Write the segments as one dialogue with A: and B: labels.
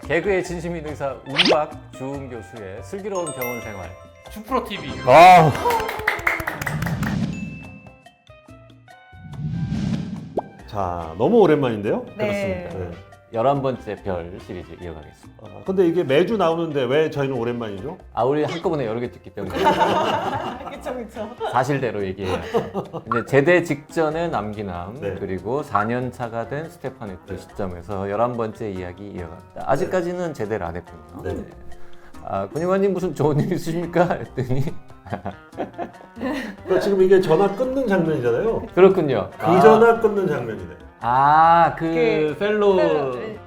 A: 개그의 진심인 의사 운박주은 교수의 슬기로운 병원 생활.
B: 주프로 TV.
C: 아. 자, 너무 오랜만인데요?
D: 네.
C: 네.
A: 11번째 별 시리즈 이어가겠습니다.
C: 근데 이게 매주 나오는데 왜 저희는 오랜만이죠?
A: 우리 한꺼번에 여러 개 찍기 때문에
D: 그쵸.
A: 사실대로 얘기해야죠. 이제 제대 직전의 남기남,
C: 네.
A: 그리고 4년 차가 된 스테파네트 시점에서 11번째 이야기 이어갑니다. 아직까지는 제대를 안 했군요.
C: 네.
A: 군의관님 무슨 좋은 일 있으십니까? 했더니
C: 그러니까 지금 이게 전화 끊는 장면이잖아요.
A: 그렇군요.
C: 그 전화 끊는 장면이네.
A: 그 펠로우.
D: 네.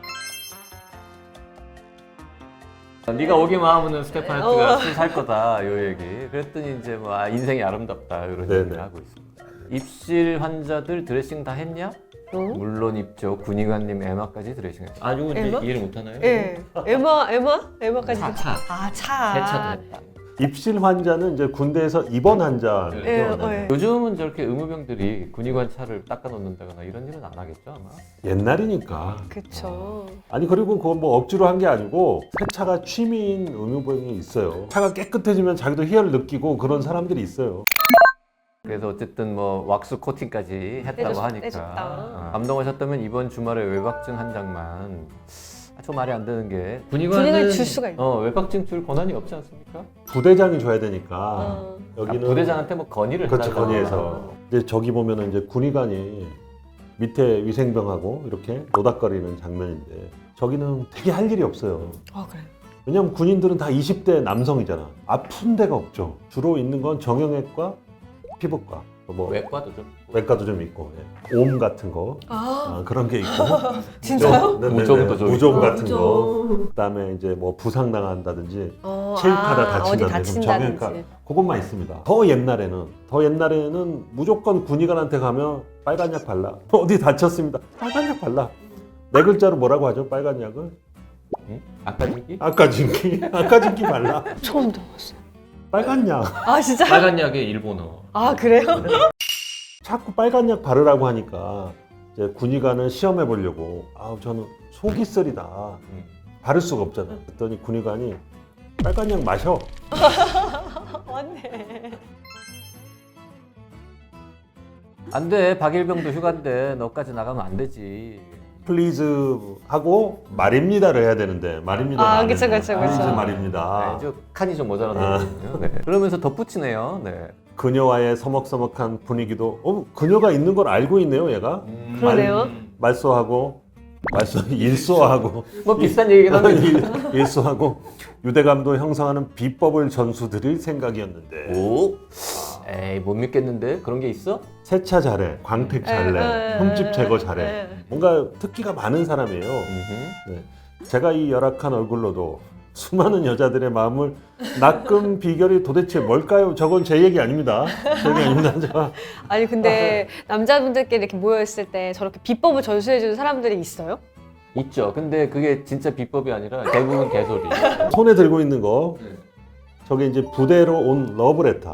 A: 네가 오기만 하면은 스테파네트가 술 살 거다 요 얘기. 그랬더니 이제 뭐 인생이 아름답다 이런
C: 네네.
A: 얘기를 하고 있습니다. 입실 환자들 드레싱 다 했냐?
D: 응?
A: 물론 입죠. 군의관님 에마까지 드레싱했죠. 이거 이제
D: 에마?
A: 이해를 못 하나요?
D: 예. 에마까지.
A: 차.
D: 차.
A: 세차도 했다.
C: 입실 환자는 이제 군대에서 입원 환자죠.
D: 예,
C: 네.
A: 요즘은 저렇게 의무병들이 군의관 차를 닦아 놓는다거나 이런 일은 안 하겠죠 아마.
C: 옛날이니까.
D: 그쵸.
C: 아니 그리고 그건 뭐 억지로 한 게 아니고 세차가 취미인 의무병이 있어요. 차가 깨끗해지면 자기도 희열을 느끼고 그런 사람들이 있어요.
A: 그래서 어쨌든 뭐 왁스 코팅까지 했다고 하니까
D: 해줬다.
A: 감동하셨다면 이번 주말에 외박증 한 장만 좀 말이 안 되는 게
D: 군의관을 줄 수가 있나?
A: 외박증 줄 권한이 없지 않습니까?
C: 부대장이 줘야 되니까 여기는
A: 부대장한테 뭐 건의를
C: 그렇죠,
A: 해달라고.
C: 건의해서. 이제 저기 보면은 이제 군의관이 밑에 위생병하고 이렇게 노닥거리는 장면인데 저기는 되게 할 일이 없어요.
D: 그래.
C: 왜냐면 군인들은 다 20대 남성이잖아. 아픈 데가 없죠. 주로 있는 건 정형외과, 피부과, 뭐
A: 외과도 좀
C: 외과도 좀 있고, 예. 옴 같은 거 그런 게 있고.
D: 진짜요?
C: 네네네.
A: 무좀도 좀
C: 무좀
A: 있고.
C: 같은 거.
D: 무좀.
C: 그다음에 이제 뭐 부상 당한다든지 체육하다
D: 어디
C: 다친다든지
D: 다친다든지.
C: 정형외과 그것만 있습니다. 더 옛날에는 무조건 군의관한테 가면 빨간 약 발라. 어디 다쳤습니다. 빨간 약 발라. 네 글자로 뭐라고 하죠? 빨간 약을?
A: 응? 아까진기?
C: 아까진기 발라.
D: 처음 들어봤어요.
C: 빨간 약.
D: 진짜?
A: 빨간 약의 일본어.
D: 그래요?
C: 자꾸 빨간 약 바르라고 하니까 이제 군의관을 시험해 보려고 저는 속이 쓰리다. 바를 수가 없잖아. 그랬더니 군의관이 빨간 약 마셔.
D: 맞네.
A: 안 돼. 박일병도 휴가인데 너까지 나가면 안 되지.
C: 플리즈 하고 말입니다를 해야 되는데 말입니다.
D: 그쵸.
C: 플리즈 말입니다.
A: 저 칸이 좀 모자란거든요. 네. 그러면서 덧붙이네요. 네.
C: 그녀와의 서먹서먹한 분위기도 그녀가 있는 걸 알고 있네요, 얘가.
D: 그러네요.
C: 일소하고
A: 뭐 비슷한 얘기긴 한데.
C: 일소하고 유대감도 형성하는 비법을 전수 드릴 생각이었는데.
A: 오? 에이 못 믿겠는데 그런 게 있어?
C: 세차 잘해, 광택 잘해, 흠집 제거 잘해. 뭔가 특기가 많은 사람이에요. 네. 제가 이 열악한 얼굴로도 수많은 여자들의 마음을 낚은 비결이 도대체 뭘까요? 저건 제 얘기 아닙니다. 제 얘기 아닙니다. 제가.
D: 아니 근데 남자분들끼리 이렇게 모여있을 때 저렇게 비법을 전수해주는 사람들이 있어요?
A: 있죠. 근데 그게 진짜 비법이 아니라 대부분 개소리.
C: 손에 들고 있는 거 저게 이제 부대로 온 러브레터.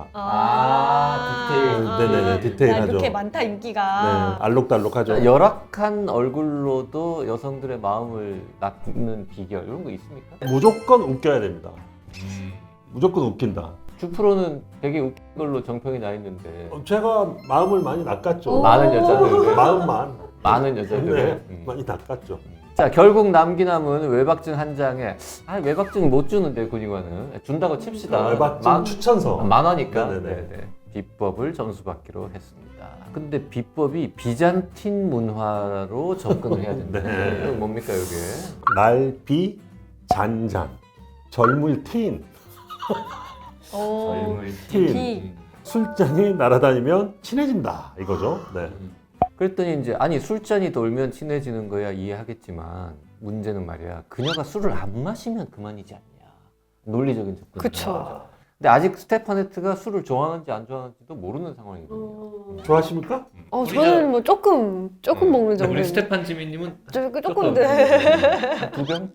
A: 디테일.
C: 네네네, 디테일하죠.
D: 그렇게 많다
C: 네,
D: 인기가.
C: 알록달록하죠.
A: 열악한 얼굴로도 여성들의 마음을 낚는 비결 이런 거 있습니까?
C: 무조건 웃겨야 됩니다. 무조건 웃긴다.
A: 주프로는 되게 웃긴 걸로 정평이 나 있는데
C: 제가 마음을 많이 낚았죠.
A: 많은 여자들.
C: 마음만.
A: 많은 여자들.
C: 네, 많이 낚았죠.
A: 자, 결국 남기남은 외박증 한 장에 외박증 못 주는데 군의관은 준다고 칩시다.
C: 외박증 추천서.
A: 만화니까.
C: 네네네.
A: 네네. 비법을 전수받기로 했습니다. 근데 비법이 비잔틴 문화로 접근을 해야 된다.
C: 네.
A: 이거 뭡니까 이게?
C: 날비 잔잔 젊을 틴
A: 젊을
C: 틴 술잔이 날아다니면 친해진다 이거죠. 네.
A: 그랬더니 이제 술잔이 돌면 친해지는 거야 이해하겠지만 문제는 말이야 그녀가 술을 안 마시면 그만이지 않냐. 논리적인 접근.
D: 그쵸.
A: 근데 아직 스테파네트가 술을 좋아하는지 안 좋아하는지도 모르는 상황이거든요.
C: 좋아하십니까?
D: 저는 뭐 조금 먹는 정도.
A: 우리 스테판 지민님은
D: 조금
A: 두 병?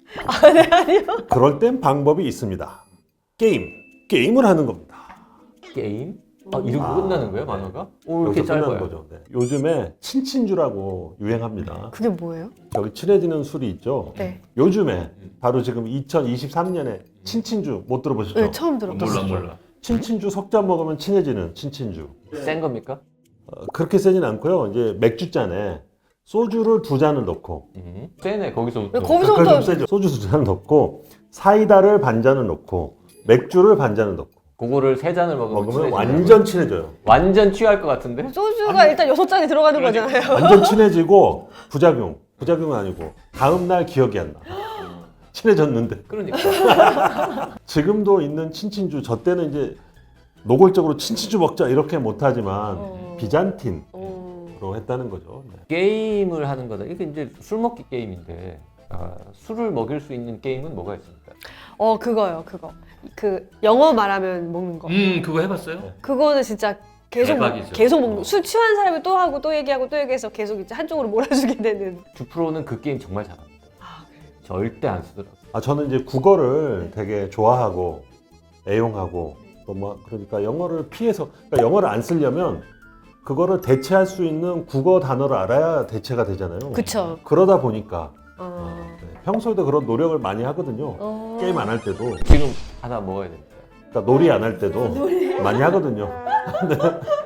C: 그럴 땐 방법이 있습니다. 게임을 하는 겁니다.
A: 게임? 이러고 끝나는 거예요, 만화가? 오, 이렇게
C: 여기서 끝나는
A: 짧아요.
C: 거죠. 네. 요즘에 친친주라고 유행합니다.
D: 그게 뭐예요?
C: 여기 친해지는 술이 있죠.
D: 네.
C: 요즘에 바로 지금 2023년에 친친주 못 들어보셨죠?
D: 네, 처음 들어봤어요.
A: 몰라.
C: 친친주 석 잔 먹으면 친해지는 친친주.
A: 센 겁니까?
C: 그렇게 세진 않고요. 이제 맥주잔에 소주를 2잔을 넣고
A: 세네, 거기서부터.
D: 왜 거기서-
C: 그걸 좀 세죠. 소주 2잔을 넣고 사이다를 반잔을 넣고 맥주를 반잔을 넣고
A: 그거를 3잔을 먹으면,
C: 먹으면
A: 친해지는
C: 완전 친해져요.
A: 거예요? 완전 취할 것 같은데?
D: 소주가 일단 6잔이 들어가는 거잖아요.
C: 완전 친해지고 부작용은 아니고 다음날 기억이 안 나. 친해졌는데.
A: 그러니까.
C: 지금도 있는 친친주, 저 때는 이제 노골적으로 친친주 먹자 이렇게 못하지만 비잔틴으로 했다는 거죠. 네.
A: 게임을 하는 거다. 이게 이제 술 먹기 게임인데, 술을 먹일 수 있는 게임은 뭐가 있습니까?
D: 그거요, 그거. 그 영어 말하면 먹는 거.
A: 그거 해봤어요?
D: 그거는 진짜
A: 대박이죠.
D: 계속 먹는. 술 취한 사람이 또 하고 또 얘기하고 또 얘기해서 계속 이제 한쪽으로 몰아주게 되는.
A: 주프로는 그 게임 정말 잘합니다. 절대 안 쓰더라고요.
C: 저는 이제 국어를 되게 좋아하고 애용하고 또 뭐 그러니까 영어를 피해서 그러니까 영어를 안 쓰려면 그거를 대체할 수 있는 국어 단어를 알아야 대체가 되잖아요.
D: 그쵸.
C: 그러다 보니까
D: 어.
C: 네, 평소에도 그런 노력을 많이 하거든요. 게임 안 할 때도
A: 지금 하나 먹어야 됩니다.
C: 그러니까 놀이 안 할 때도 많이 하거든요.